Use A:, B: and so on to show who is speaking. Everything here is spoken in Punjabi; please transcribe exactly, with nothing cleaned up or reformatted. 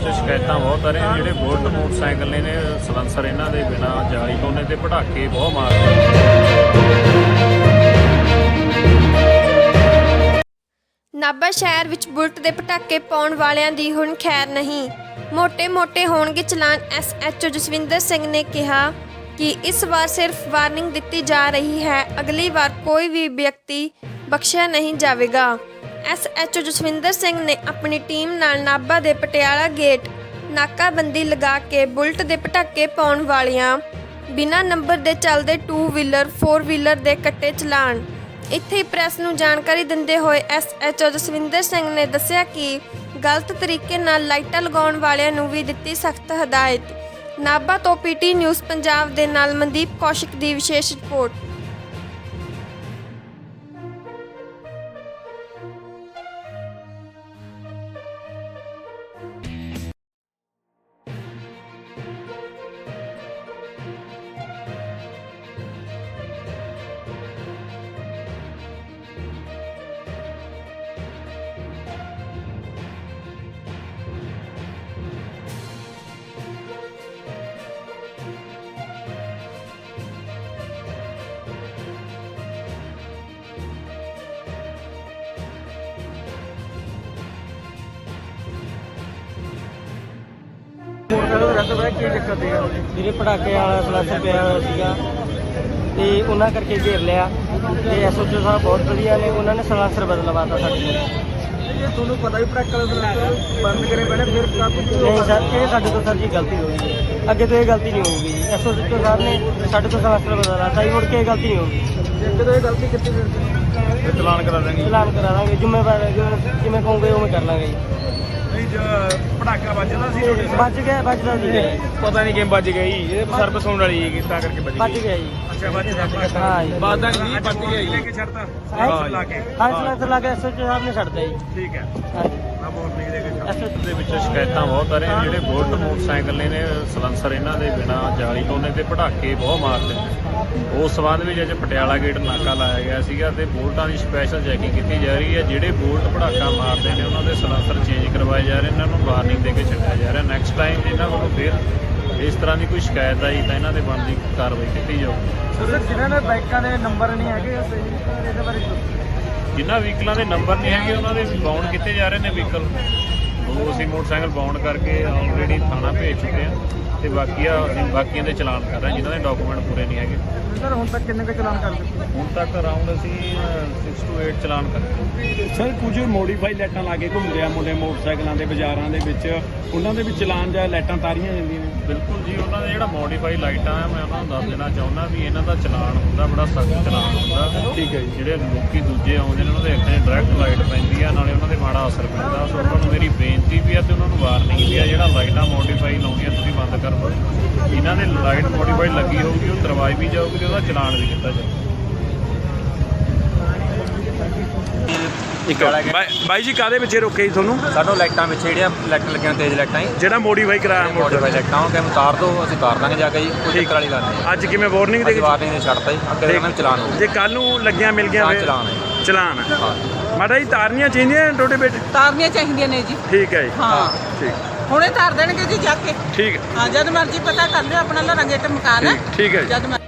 A: शिकायत बहुत आ रही जो बुलेट मोटरसाइकिल ने सलैंसर इन्हों के बिना जाली पाने तो पटाके बहुत मारते।
B: नाभा शहर विच बुलेट के पटाके पाउण वालियां दी हुण खैर नहीं। मोटे मोटे होणगे challan. S H O Jaswinder Singh ने कहा कि इस बार सिर्फ वार्निंग दी जा रही है, अगली बार कोई भी व्यक्ति बख्शिया नहीं जाएगा। S H O Jaswinder Singh ने अपनी टीम नाल नाभा दे पटियाला गेट नाकाबंदी लगा के बुलेट के पटाके पाउण वालियां बिना नंबर दे चलदे टू व्हीलर फोर व्हीलर दे कट्टे चलान। इत्थे ही प्रैस नूं जानकारी दिंदे होए S H O Jaswinder Singh ने दस्सिया कि गलत तरीके नाल लाइटां लगाउण वालियां नूं भी दित्ती सख्त हदायत। नाभा तो पीटी न्यूज़ पंजाब दे नाल मनदीप कौशिक दी विशेष रिपोर्ट।
C: ਵੀਰੇ ਪਟਾਕੇ ਵਾਲਾ ਸਲੈਂਸਰ ਪਿਆ ਹੋਇਆ ਸੀਗਾ ਤੇ ਉਹਨਾਂ ਕਰਕੇ ਘੇਰ ਲਿਆ ਤੇ ਐਸ ਓ ਸਾਹਿਬ ਬਹੁਤ ਵਧੀਆ ਨੇ, ਉਹਨਾਂ ਨੇ ਸਲੈਂਸਰ ਬਦਲਵਾਤਾ ਸਾਡੇ ਕੋਲ।
D: ਤੁਹਾਨੂੰ ਪਤਾ ਹੀ ਪਟਾਕੇ ਵਾਲਾ ਸਲੈਂਸਰ ਬੰਦ ਕਰੇ ਪਹਿਲੇ ਫਿਰ
C: ਨਹੀਂ ਸਰ, ਇਹ ਸਾਡੇ ਤੋਂ ਸਰ ਜੀ ਗਲਤੀ ਹੋ ਗਈ ਹੈ, ਅੱਗੇ ਤੋਂ ਇਹ ਗਲਤੀ ਨਹੀਂ ਹੋਊਗੀ ਜੀ। ਐਸ ਓ ਸਾਹਿਬ ਨੇ ਸਾਡੇ ਤੋਂ ਸਲੈਂਸਰ ਬਦਲਵਾਤਾ ਜੀ, ਮੁੜ ਕੇ ਇਹ ਗਲਤੀ ਨਹੀਂ ਹੋਊਗੀ।
D: ਜਦੋਂ ਇਹ ਗਲਤੀ ਕੀਤੀ ਫਿਰ
A: ਚਲਾਨ ਕਰਾ ਦੇंगे।
C: ਚਲਾਨ ਕਰਾ ਦਾਂਗੇ, ਜ਼ਿੰਮੇਵਾਰ ਜਿਵੇਂ ਕਹੋਗੇ ਉਵੇਂ ਕਰ ਲਾਂਗੇ ਜੀ।
D: ਪਟਾਕਾ ਵੱਜਦਾ ਸੀ
C: ਬਚ ਗਿਆ, ਬਚਦਾ ਜੀ,
A: पता नहीं किम बज गई, ये सर्विस होने वाली है ਤਾਂ ਕਰਕੇ ਬਚ
C: ਬਚ ਗਿਆ ਜੀ।
D: ਅੱਛਾ ਵੱਜਦਾ
C: ਹਾਂ ਜੀ,
A: ਬਾਦਾ ਨਹੀਂ ਬਚ ਗਿਆ
D: ਲੈ
A: ਜੀ।
D: ਕੇ ਛੱਡਤਾ
C: ਹਾਂ
D: ਲਾ ਕੇ
C: ਹਾਂ ਸਲੈਂਸਰ ਲਾ ਕੇ ਐਸ ਓ ਸਾਹਿਬ ਨੇ ਛੱਡਤਾ ਜੀ।
D: ਠੀਕ ਹੈ
C: ਹਾਂਜੀ
D: ਮੈਂ ਵਾਰਨਿੰਗ ਦੇ ਕੇ ਛੱਡ
C: ਐਸ ਓ
A: ਦੇ ਵਿੱਚ ਸ਼ਿਕਾਇਤਾਂ ਬਹੁਤ ਆ ਰਹੀਆਂ ਜਿਹੜੇ ਬੁਲਟ ਮੋਟਰਸਾਈਕਲ ਨੇ ਨੇ ਸਲੈਂਸਰ ਇਹਨਾਂ ਦੇ ਬਿਨਾ ਜਾਲੀ ਪਾਉਂਦੇ ਤੇ ਪਟਾਕੇ ਬਹੁਤ ਮਾਰਦੇ ਨੇ। ਉਸ ਸੰਬੰਧ ਵਿੱਚ ਅੱਜ ਪਟਿਆਲਾ ਗੇਟ ਨਾਕਾ ਲਾਇਆ ਗਿਆ ਸੀਗਾ ਤੇ ਬੁਲਟਾਂ ਦੀ ਸਪੈਸ਼ਲ ਚੈਕਿੰਗ ਕੀਤੀ ਜਾ ਰਹੀ ਹੈ। ਜਿਹੜੇ ਬੁਲਟ ਪਟਾਕਾ ਮਾਰਦੇ ਨੇ ਉਹਨਾਂ ਦੇ ਸਲੈਂਸਰ ਚੇਂਜ ਕਰਵਾਏ ਜਾ ਰਹੇ, ਇਹਨਾਂ ਨੂੰ ਵਾਰਨਿੰਗ ਦੇ ਕੇ ਛੱਡਿਆ ਜਾ ਰਿਹਾ। ਨੈਕਸਟ ਟਾਈਮ ਇਹਨਾਂ ਵੱਲੋਂ ਫਿਰ ਇਸ ਤਰ੍ਹਾਂ ਦੀ ਕੋਈ ਸ਼ਿਕਾਇਤ ਆਈ ਤਾਂ ਇਹਨਾਂ ਦੇ ਬਣਦੀ ਕਾਰਵਾਈ ਕੀਤੀ ਜਾਊਗੀ।
D: ਸਰ ਜਿਨ੍ਹਾਂ ਦੇ ਬਾਈਕਾਂ ਦੇ ਨੰਬਰ ਨਹੀਂ ਹੈਗੇ ਇਹਦੇ ਬਾਰੇ
A: ਜਿਨ੍ਹਾਂ ਵਹੀਕਲਾਂ ਦੇ ਨੰਬਰ ਨਹੀਂ ਹੈਗੇ ਉਹਨਾਂ ਦੇ ਬਾਉਂਡ ਕੀਤੇ ਜਾ ਰਹੇ ਨੇ ਵਹੀਕਲ। ਉਹ ਅਸੀਂ ਮੋਟਰਸਾਈਕਲ ਬਾਉਂਡ ਕਰਕੇ ਆਲਰੇਡੀ ਥਾਣਾ ਭੇਜ ਚੁੱਕੇ ਹਾਂ ਤੇ ਬਾਕੀ ਆ ਅਸੀਂ ਬਾਕੀਆਂ ਦੇ ਚਲਾਨ ਕਰ ਰਹੇ ਜਿਨ੍ਹਾਂ ਦੇ ਡਾਕੂਮੈਂਟ ਪੂਰੇ ਨਹੀਂ ਹੈਗੇ।
D: ਸਰ ਹੁਣ ਤੱਕ ਕਿੰਨੇ ਕੁ ਚਲਾਨ ਕਰ ਦਿੱਤੇ?
A: ਹੁਣ ਤੱਕ ਅਰਾਊਂਡ ਅਸੀਂ ਸਿਕਸ ਟੂ ਏਟ ਚਲਾਨ ਕਰ ਦਿੱਤੇ।
E: ਸਰ ਕੁਝ ਮੋਡੀਫਾਈ ਲਾਈਟਾਂ ਲਾ ਕੇ ਘੁੰਮਦੇ ਆ ਮੁੰਡੇ ਮੋਟਰਸਾਈਕਲਾਂ ਦੇ ਬਾਜ਼ਾਰਾਂ ਦੇ ਵਿੱਚ, ਉਹਨਾਂ ਦੇ ਵਿੱਚ ਚਲਾਨ ਜਾਂ ਲਾਈਟਾਂ ਤਾਰੀਆਂ ਜਾਂਦੀਆਂ ਨੇ।
A: ਬਿਲਕੁਲ ਜੀ, ਉਹਨਾਂ ਦੇ ਜਿਹੜਾ ਮੋਡੀਫਾਈ ਲਾਈਟਾਂ ਆ ਮੈਂ ਉਹਨਾਂ ਨੂੰ ਦੱਸ ਦੇਣਾ ਚਾਹੁੰਦਾ ਵੀ ਇਹਨਾਂ ਦਾ ਚਲਾਨ ਹੁੰਦਾ ਬੜਾ ਸਖਤ ਚਲਾਨ ਹੁੰਦਾ।
E: ਠੀਕ ਹੈ ਜੀ।
A: ਜਿਹੜੇ ਲੋਕੀ ਦੂਜੇ ਆਉਂਦੇ ਨੇ ਉਹਨਾਂ ਦੇ ਅੱਖਾਂ 'ਚ ਡਾਇਰੈਕਟ ਲਾਈਟ ਪੈਂਦੀ ਆ, ਨਾਲੇ ਉਹਨਾਂ ਦੇ ਮਾੜਾ ਅਸਰ ਪੈਂਦਾ। ਸੋ ਉਹਨਾਂ ਨੂੰ ਮੇਰੀ ਬੇਨਤੀ ਵੀ ਆ ਤੇ ਉਹਨਾਂ ਨੂੰ ਵਾਰਨਿੰਗ ਵੀ ਆ, ਜਿਹੜਾ ਲਾਈਟਾਂ ਮੋਡੀਫਾਈ ਲਾਉਣੀਆਂ ਤੁਸੀਂ ਬੰਦ ਕਰ ਦਿਓ। ਇਹਨਾਂ ਦੇ ਲਾਈਟ ਮੋਡੀਫਾਈ ਲੱਗੀ ਹੋਊਗੀ, ਉਹ ਤਰਵਾਈ ਵੀ ਜਾਊਗੀ ਤੇ ਉਹਦਾ ਚਲਾਨ ਵੀ ਕੀਤਾ ਜਾਊਗਾ।
E: ਇੱਕ ਬਾਈ ਜੀ ਕਾਹਦੇ ਵਿੱਚ ਰੋਕੇ ਜੀ ਤੁਹਾਨੂੰ?
F: ਸਾਨੂੰ ਲਾਈਟਾਂ ਵਿੱਚ ਜਿਹੜੀਆਂ ਲਾਈਟਾਂ ਲੱਗੀਆਂ ਤੇਜ਼ ਲਾਈਟਾਂ ਹੀ
E: ਜਿਹੜਾ ਮੋਡੀਫਾਈ ਕਰਾਇਆ
F: ਮੋਡੀਫਾਈ ਲਾਈਟਾਂ ਉਹ ਕਹਿੰਦੇ ਉਤਾਰ ਦਿਓ, ਅਸੀਂ ਉਤਾਰ ਦਾਂਗੇ ਜਾ ਕੇ ਜੀ, ਕੋਈ ਚੱਕਰ ਵਾਲੀ ਗੱਲ ਨਹੀਂ।
E: ਅੱਜ ਕਿਵੇਂ ਵਾਰਨਿੰਗ ਦੇ
F: ਅਸੀਂ ਵਾਰਨਿੰਗ ਨੇ ਛੱਡਤਾ ਜੀ, ਅੱਗੇ ਉਹਨਾਂ ਨੂੰ ਚਲਾਨ ਹੋ
E: ਜੇ ਕੱਲ ਨੂੰ ਲੱਗੀਆਂ ਮਿਲ ਗਿਆ
F: ਹਾਂ
E: ਫਿਰ
F: ਚਲਾਨ ਹੈ।
E: ਚਲਾਨ ਹੈ।
F: ਹਾਂ
E: ਮਾੜਾ ਜੀ ਤਾਰਨੀਆਂ ਚਾਹੀਦੀਆਂ ਤੁਹਾਡੇ ਬੇਟੇ?
G: ਤਾਰਨੀਆਂ ਚਾਹੀਦੀਆਂ ਨੇ ਜੀ।
E: ਠੀਕ ਹੈ ਜੀ,
G: ਹਾਂ
E: ਠੀਕ
G: ਹੁਣੇ ਤਾਰ ਦੇਣਗੇ ਜੀ ਜਾ ਕੇ।
E: ਠੀਕ
G: ਹਾਂ ਜਦ ਮਰਜ਼ੀ ਪਤਾ ਕਰ ਲਿਓ, ਆਪਣਾ ਲੜਾ ਗੇਟ ਮਕਾਨ ਹੈ।
E: ਠੀਕ ਠੀਕ ਹੈ ਜੀ।
G: ਜਦ ਮਰ-